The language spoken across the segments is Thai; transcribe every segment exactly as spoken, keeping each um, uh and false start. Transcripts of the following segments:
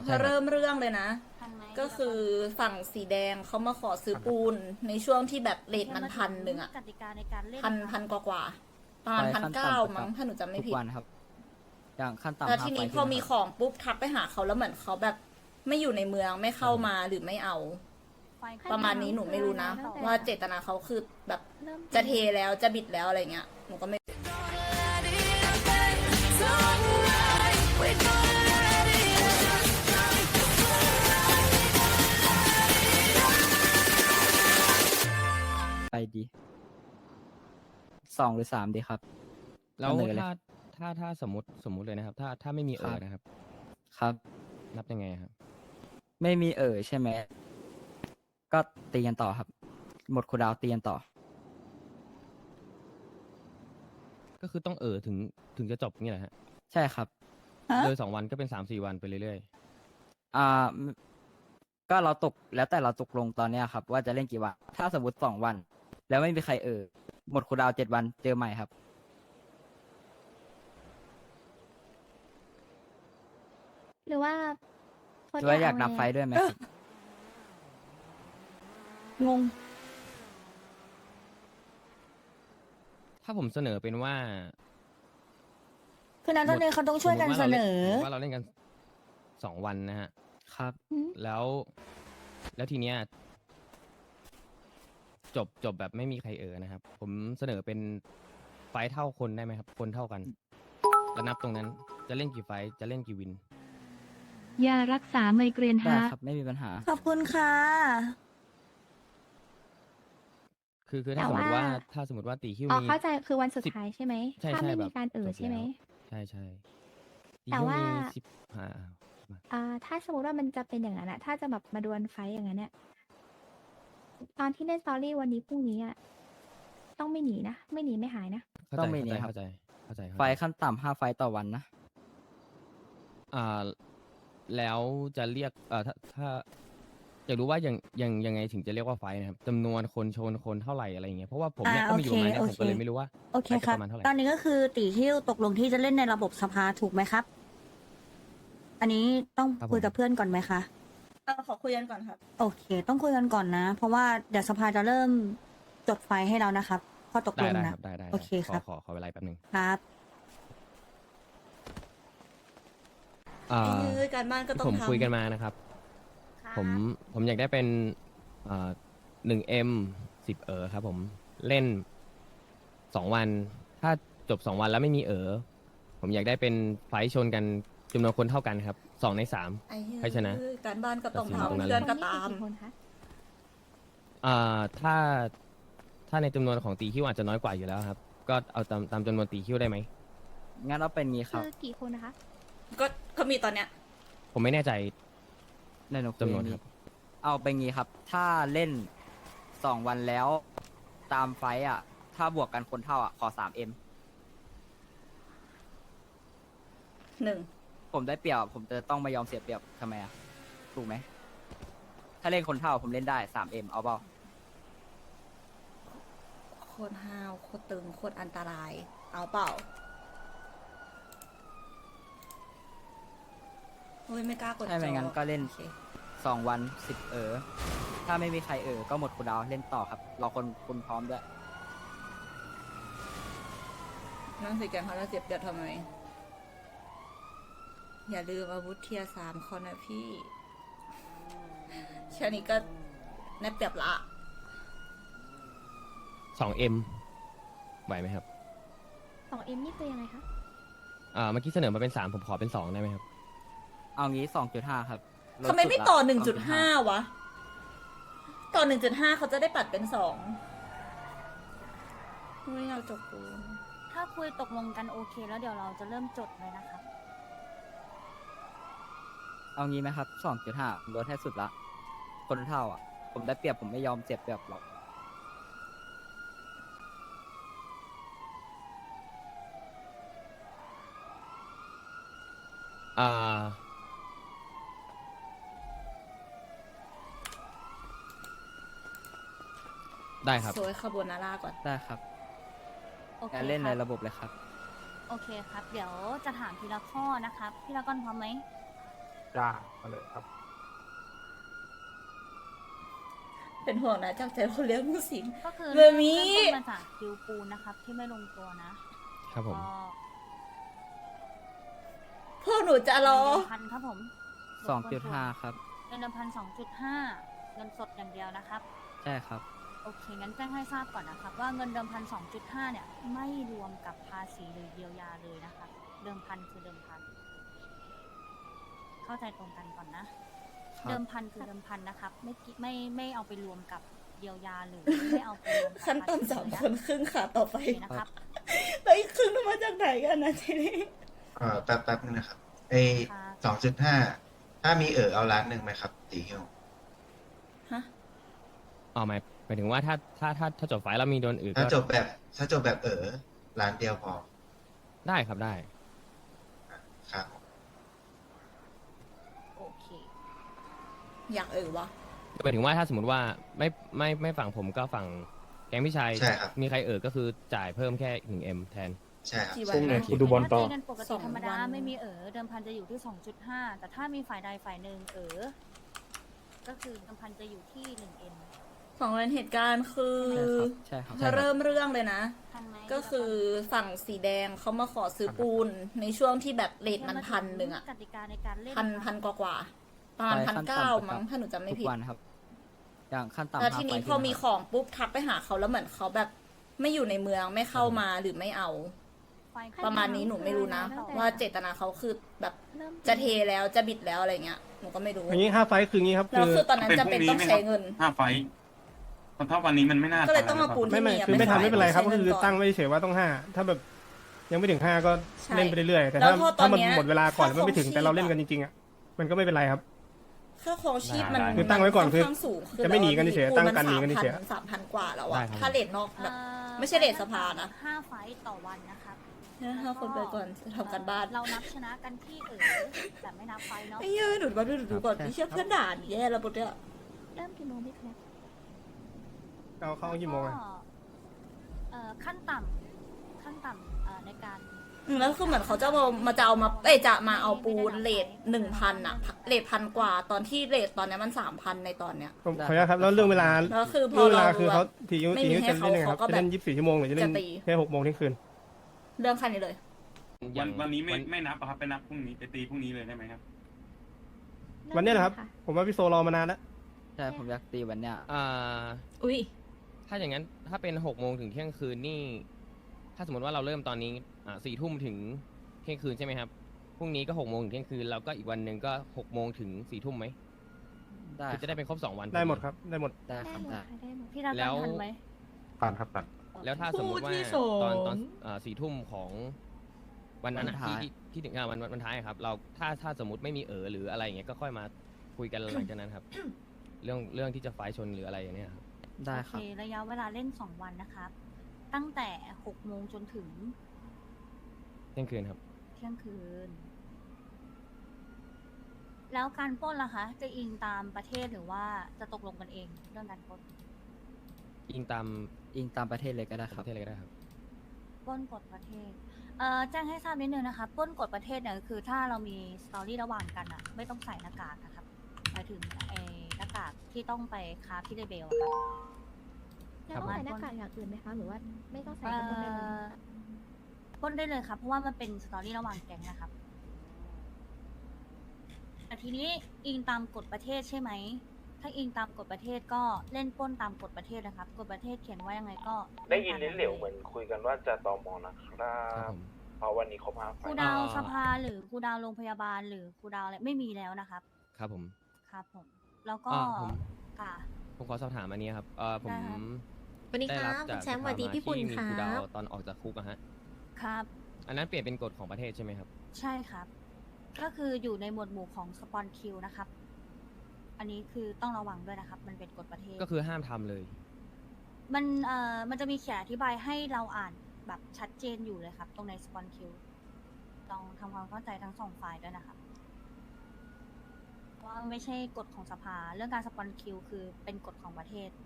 ใช่ครับเริ่มเรื่องเลยนะทันไหมก็คือฝั่งสีแดงเขามาขอซื้อปูนในช่วงที่แบบเรทมันพันหนึ่งอะกติกาในการเล่นพันนะคะพันกว่ากว่าๆประมาณไฟพันขั้นเก้าต่ำประจำมั้งถ้าหนูจำไม่ทุกผิดวันครับ อย่างขั้นต่ำแล้วห้าทีไฟนี้พขึ้อน มีนะครับของปุ๊บทักไปหาเขาแล้วเหมือนเขาแบบไม่อยู่ในเมืองไม่เข้ามาหรือไม่เอาไฟประมาณนี้หนูไม่รู้นะตั้งแต่ว่าเจตนาเขาคือแบบเริ่มจะเทแล้วจะบิดแล้วอะไรเงี้ยหนูก็ไม่ไปดีสองหรือสามดีครับแล้วเสนอเลยถ้าถ้าถ้าสมมติสมมุติเลยนะครับ ถ้าถ้าไม่มีเอครัอบ นะครับครับนับยังไงครับไม่มีเอ่ยใช่ไหม ก็ตีกันต่อครับ หมดคูลดาวน์ตีกันต่อก็คือต้องเออถึงถึงจะจบนี่แหละฮะใช่ครับโดยสองวันก็เป็นสามสี่วันไปเรื่อยอ่า ก็เราตกแล้วแต่เราตกลงตอนเนี้ยครับ ว่าจะเล่นกี่วัน ถ้าสมมติสองวัน แล้วไม่มีใครเอ่ยหมดคูลดาวน์เจ็ดวันเจอใหม่ครับหรือว่าหรือว่าอยากนับไฟท์ด้วยไหมครับงงๆ ถ้าผมเสนอเป็นว่าคือนั้นตอนนี้เขาต้องช่วยกันเสนอสมมุติว่าเราเล่นกันสองวันนะฮะครับแล้ว แล้วทีเนี้ยจบจบแบบไม่มีใครเออนะครับ ผมเสนอเป็นไฟท์เท่าคนได้ไหมครับ คนเท่ากัน แล้วนับตรงนั้นจะเล่นกี่ไฟท์จะเล่นกี่วินยารักษาไมเกรนได้ฮะครับ ไม่มีปัญหาขอบคุณค่ะคือคือถ้าแต่สมมติว่าว่าถ้าสมมติว่าตีคิวอ๋อมีเข้าใจคือวันสุดสิบท้ายใช่ไหมใช่ถ้าใช่ไม่แบมีบการเอ่จยบใช่ไหมแล้วใช่ใช่ตีแต่คิวว่ามีสิบห้าอ่าถ้าสมมติว่ามันจะเป็นอย่างนั้นอะถ้าจะแบบมาดวลไฟต์อย่างนั้นเนี่ยตอนที่เล่นสตอรี่วันนี้พรุ่งนี้อะต้องไม่หนีนะ ไม่หนีไม่หายนะเข้าต้ใจองมีนี่ครับเข้าใจเข้าใจเข้าใจไฟท์ขั้นต่ำห้าไฟท์ต่อวันนะอ่าแล้วจะเรียกเอ่อถ้าถ้าอยากรู้ว่ายังยังยังไงถึงจะเรียกว่าไฟท์นะครับจำนวนคนชนคนเท่าไหร่อะไรอย่างเงี้ยเพราะว่าผมเนี่ยอ่าก็มาอยู่ตรงนั้นเนี่ยโอผมเคก็เลยไม่รู้ว่าโอเคไฟท์ครับประมาณเท่าไหร่ตอนนี้ก็คือตีที่ตกลงที่จะเล่นในระบบสภาถูกไหมครับ อันนี้ต้องคุยกับเพื่อนก่อนไหมคะเอาขอคุยกันก่อนครับโอเค ต้องคุยกันก่อนนะ เพราะว่าเดี๋ยวสภาจะเริ่มจดไฟล์ให้เรานะครับข้อตกได้ลงได้นะครับได้ได้โอเคขอครับขอขอเวลาแป๊บหนึงครับอ่าเอ้ยการบ้านก็ต้องผมทำคุยกันมานะครับ ผมผมอยากได้เป็นอ่าหนึ่งเอ็มสิบเออครับผมเล่นสองวัน ถ้าจบสองวันแล้วไม่มีเออผมอยากได้เป็นไฟท์ชนกันจำนวนคนเท่ากันครับสองในสามไอ้เหี้ยใครชนะการบ้านก็ต้องตัดสินตรงนั้นทำเพื่อนก็คนนี้ตามกี่คนคะอ่าถ้าถ้าในจำนวนของตีคิวอาจจะน้อยกว่าอยู่แล้วครับ ก็เอาตามตามจำนวนตีคิวได้ไหมงั้นเอาเป็นงี้คคืรับอกี่คนนะคะก็ก็มีตอนเนี้ยผมไม่แน่ใจในหนูคุยจำนวนนี้ครับเอาเป็นงี้ครับ ถ้าเล่นสองวันแล้ว ตามไฟท์อ่ะ ถ้าบวกกันคนเท่าอ่ะ ขอสามเอ็มหนึ่งผมได้เปรียบ ผมจะต้องไม่ยอมเสียเปรียบทำไมอ่ะ ถูกไหม ถ้าเล่นคนเท่าผมเล่นได้สามเอ็มเอาเปล่าโคตรห้าวโคตรตึงโคตรอันตราย เอาเปล่าเฮ้ยไม่กล้ากดใช่ไหมจองั้นก็เล่นโอคสองวันสิบเออ ถ้าไม่มีใครเออ ก็หมดคูลดาวน์เล่นต่อครับ รอคนคุณพร้อมด้วยนั่งสิแกงเขาจะเจ็บเดือดทำไม อย่าลืมอาวุธเทียร์สามคอนนะพี่แค่นี้ก็แนบเปรียบละสองเอ็มไหวไหมครับสองเอ็มนี่คือยังไงคะอ่าเมื่อกี้เสนอมาเป็นสามผมขอเป็นสองได้ไหมครับเอางี้สองจุดห้าครับลดทำไมไม่สุดละต่อหนึ่งจุดสห้าวะ ต่อหนึ่งจุดห้าเขาจะได้ปัดเป็นสองไม่เอาจบกูถ้าคุยตกลงกันโอเค แล้วเดี๋ยวเราจะเริ่มจดเลยนะครับเอางี้ไหมครับสองจุดห้าลดให้สุดละ คนเท่าอ่ะ ผมได้เปรียบผมไม่ยอมเสียเปรียบหรอกอ่า ได้ครับสวยคาโบนาร่าก่อนได้ครับโอเคงั้นเล่นคในรับระบบเลยครับโอเคครับ เดี๋ยวจะถามทีละข้อนะครับ พี่ละก้อนพร้อมไหมไจ้ามาเลยครับเป็นห่วงนะจากใจคนเลี้ยงลูกศิษย์ก็คือเรื่องนี้เริ่มต้นมาจากคิวปูนนะครับ ที่ไม่ลงตัวนะครับผมก็พวกหนูจะรอเงินเดือนพันครับผมสองจุดห้าครับเงินเดือนพันสองจุดห้าเงินสดอย่างเดียวนะครับใช่ครับโอเค งั้นแจ้งให้ทราบก่อนนะครับ ว่าเงินเดิมพันสองจุดห้าเนี่ย ไม่รวมกับภาษีหรือเยียวยาเลยนะครับ เดิมพันคือเดิมพัน เข้าใจตรงกันก่อนนะครับเดิมพันคือเดิมพันนะครับ ไม่กิไม่ไม่เอาไปรวมกับเยียวยาหรือไม่เอาไปรวมกับขั้นภาษีต่ำสามเลยะคนครึ่งค่ะต่อไปโอเคนะครับแล้วอีกครึ่งนึงมาจากไหนกันนะทีนี้เอ่อแป๊บแป๊บนึงนะครับไอครับสองจุดห้าถ้ามีเออเอาล้านหนึ่งไหมครับตีฮิวฮะอ๋อหมายหมายถึงว่าถ้าถ้าถ้าถ้าจบไฟล์แล้วมีโดนอื่นถ้าก็จบแบบถ้าจบแบบเออล้านเดียวพอได้ครับได้ครับโอเคอยากเออวะหมายถึงว่าถ้าสมมติว่าไม่ไม่ไม่ฝั่งผมก็ฝั่งแก๊งพี่ชายใช่ครับมีใครเอ่ยก็คือจ่ายเพิ่มแค่หนึ่งเอ็มแทนใช่ครับกี่พวัรุ่นงนี้นะกูดูบอลต่อถ้าตีกันปกสติองธรรมดาวันไม่มีเออเดิมพันจะอยู่ที่ สองจุดห้า แต่ถ้ามีฝ่ายใดฝ่ายหนึ่งเออก็คือเดิมพันจะอยู่ที่ หนึ่งเอ็มของเรนเหตุการณ์คือใช่ครับถ้าเริ่มเรื่องเลยนะทันไหมก็คือฝั่งสีแดงเขามาขอซื้อปูนในช่วงที่แบบเลทมันพันหนึ่งอะกติกาในการเล่นพันนะพัคะนกว่ากว่าๆประมาณไปพันขั้นเก้าต่ำมั้งถ้าหนูจำไม่ทุผิกดวันครับ อย่างขั้นต่ำแล้วทีนี้ห้าไฟล์พอมีขึ้นของปุ๊บทักไปหาเขาแล้วเหมือนเขาแบบไม่อยู่ในเมืองไม่เข้ามาหรือไม่เอาไฟประมาณนี้หนูไม่รู้นะตั้งแต่ว่าเจตนาเขาคือแบบเริ่มจะเทแล้วจะบิดแล้วอะไรเงี้ยหนูก็ไม่รู้อย่างนี้ห้าไฟล์คืออย่างนี้ครับแล้วคือคือตอนนั้นจะเป็นต้องใช้เงินห้าไฟท์เพราะถ้าวันนี้มันไม่น่าก็เลยทันต้องเอาปูนไม่ที่ไม่มีะคือไม่ทำไม่เป็นไรครับใช้ก็งิคือก่นตั้งไว้เฉยๆว่าต้องห้าถ้าแบบยังไม่ถึงห้าก็ใช่เล่นไปเรื่อยๆแต่แล้ถ้าวพอตอนถ้ามันเนี้ยหมดเวลาก่อนค่าแล้วมันไม่ถึงครองแต่เราชีพเล่นอะกันจริงๆอ่ะมันก็ไม่เป็นไรครับค่าครองชีพมันคือตั้งไว้ก่อนคือค่ข้างสูงจะไม่หนีกันเฉยๆตั้งกันหนีกันเฉยๆสามพันกว่าแล้วได้อะครับถ้าเลทนอกแบบอ่อไม่ใช่เรทสภานะห้าไฟต์ต่อวันนะครับห้าคนไปก่อนทำกันบ้านเรานับชนะกันที่เออแต่ไม่นับไฟต์เนาะไอ้เหี้ยหนูมาดูหนูดูก่อนพี่เชื่อเพื่อนด่าหนูแย่แล้วปุ๊บเนี่ยเริ่มกี่โมงพี่แคลร์เอาเข้ากี่โมงอะแล้วก็เอ่อขั้นต่ำขั้นต่ำเอ่อในการอืมแล้วคือเหมือนเขาจะมามาจะเอามาเอ้ยจะมาเอาปูนเลทหนึ่งพันอะเลทพันกว่าตอนที่เลทตอนเนี้ยมันสามพันในตอนเนี้ยผมขออนุญาตครับแล้วเรื่องเวลาแล้วคือพอเรื่องเวเราลาคือรู้เขาว่าทีนิ้วไม่ทีมีนิ้วให้จะเล่นยังไงครับเขาก็จะเล่นแบบยี่สิบสี่ชั่วโมงหรือจะเล่นจะตีแค่หกโมงเที่ยงคืนเรื่องคันนี้เลยวันวันนี้ไม่วัไม่นับอะครับไปนับพรุ่งนี้ไปตีพรุ่งนี้เลยได้ไหมครับวันเนี้ยแหละครับ ผมว่าพี่โซรอมานานแล้วใช่ผมอยากตีวันเนี้ยอ่าอุ้ยถ้าอย่างนั้นถ้าเป็นหกโมงถึงเที่ยงคืนนี่ ถ้าสมมติว่าเราเริ่มตอนนี้อ่าสี่ทุ่มถึงเที่ยงคืนใช่ไหมครับพรุ่งนี้ก็หกโมงถึงเที่ยงคืนแล้วก็อีกวันหนึ่งก็หกโมงถึงสี่ทุ่มไหมได้คือจะได้เป็นครบสองวันได้หมดครับได้หมดได้ได้ครับหมดได้ค่ะได้หมดพี่รัตแล้วทันไหมผ่านครับผ่านแล้วถ้าสมมติว่าคู่ที่สองตอนตอนอ่าสี่ทุ่มของวันนั้นอะวันท้ายที่ที่ที่ถึงอ่าวันวันวันท้ายอะครับ เราถ้าถ้าสมมติไม่มีเออหรืออะไรอย่างเงี้ยก็ค่อยมาคุยกันหลังจากนั้นครับ เรื่องเรื่องที่จะไฟท์ชนหรืออะไรอย่างเงี้ยครับได้โอคเครับ ระยะเวลาเล่นสองวันนะครับ ตั้งแต่หกโมงจนถึงเที่ยงคืนครับเที่ยงคืน แล้วการปล้นล่ะคะ จะอิงตามประเทศหรือว่าจะตกลงกันเองเรื่องการปล้นอิงตามอิงตามประเทศเลยก็ได้ปครับระเทศอะไรก็ได้ครับปล้นกฎประเทศ เอ่อแจ้งให้ทราบนิดนึงนะคะปล้นกฎประเทศเนี่ยคือถ้าเรามีสตอรี่ระหว่างกันอะไม่ต้องใส่หน้ากากนะครับหมายถึงไอ้หน้ากากที่ต้องไปคาที่เรเบลอะครับแล้วต้องใส่หน้ากากอย่างอื่นไหมคะหรือว่าไม่ต้องใส่เอ่กันหมดเลยอปล้นได้เลยครับ เพราะว่ามันเป็นสตอรี่ระหว่างแก๊งนะครับ แต่ทีนี้อิงตามกฎประเทศใช่ไหม ถ้าอิงตามกฎประเทศก็เล่นปล้นตามกฎประเทศนะครับ กฎประเทศเขียนว่ายังไงก็ได้ยินลิ้นเหลวเหมือนคุยกันว่าจะตอมอนะครัครับบผมเพราะวันนี้เขาพาไฟครูดาวสภาหรือครูดาวโรงพยาบาลหรือครูดาวอะไรไม่มีแล้วนะครับครับผมครับผม แล้วก็อ่าผมค่ะผมขอสอบถามอันนี้ครับเออผมได้ครับสวัสดีได้ครัรับบ จากคุณแชมป์สวัสดีพี่ปุ่นที่มีคครูดารัวบตอนออกจากคุกอะฮะครับอันนั้นเปลี่ยนเป็นกฎของประเทศใช่ไหมครับใช่ครับ ก็คืออยู่ในหมวดหมู่ของสปอนคิวนะครับ อันนี้คือต้องระวังด้วยนะครับ มันเป็นกฎประเทศก็คือห้ามทำเลยมันเอ่อมันจะมีเขียนอธิบายให้เราอ่านแบบชัดเจนอยู่เลยครับ ตรงในสปอนคิวลองทำความเข้าใจทั้งสองฝ่ายด้วยนะครับว่าไม่ใช่กฎของสภา เรื่องการสปอนคิวคือเป็นกฎของประเทศ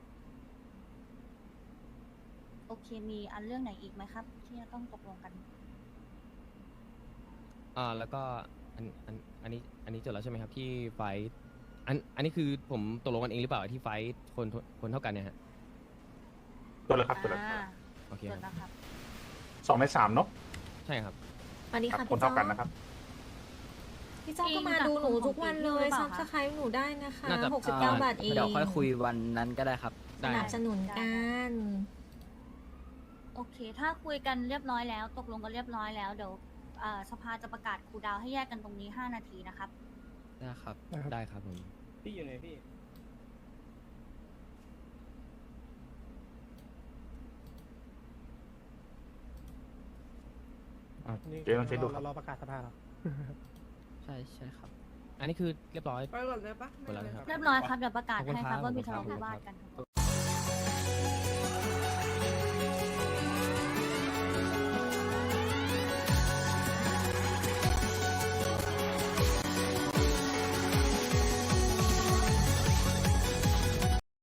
โอเค มีอันเรื่องไหนอีกไหมครับ ที่จะต้องตกลงกันอ่าแล้วก็อันอันอันนี้อันนี้จดแล้วใช่ไหมครับที่ไฟท์อันอันนี้คือผมตกลงกันเองหรือเปล่าที่ไฟท์คนคนเท่ากันเนี่ยฮะตัวเลยครับตัวเลยอ่าโอเคจคดรับแล้วครับสองในสามเนาะใช่ครับสวัสดีครับค่ะคนพี่เท่าจ้อกันนะครับพี่จ้อก็มาดูหนูทุกวันเลยซับสไครต์หนูได้นะคะน่าจะหกสิบเก้าบาทเองเดี๋ยวค่อยคุยวันนั้นก็ได้ครับสได้นับสนุนกันโอเค ถ้าคุยกันเรียบร้อยแล้ว ตกลงกันเรียบร้อยแล้ว เดี๋ยวเอ่อสภาจะประกาศครูลดาวน์ให้แยกกันตรงนี้ ห้า นาทีนะครับได้ครับนะครับได้ครับผมพี่อยู่ไหนพี่อ่ะนี่เจ๊ลองเช็คดูคเรารับรอประกาศสภาเหรอใช่ใช่ครับอันนี้คือเรียบร้อยไปก่อนเลยปะหมดแล้วนะครับเรียบร้อยครับ เดี๋ยวประกาศขอบคุณให้คครัรับบว่ามีขอบทะคุณเลาะครับวิวาทกันครับ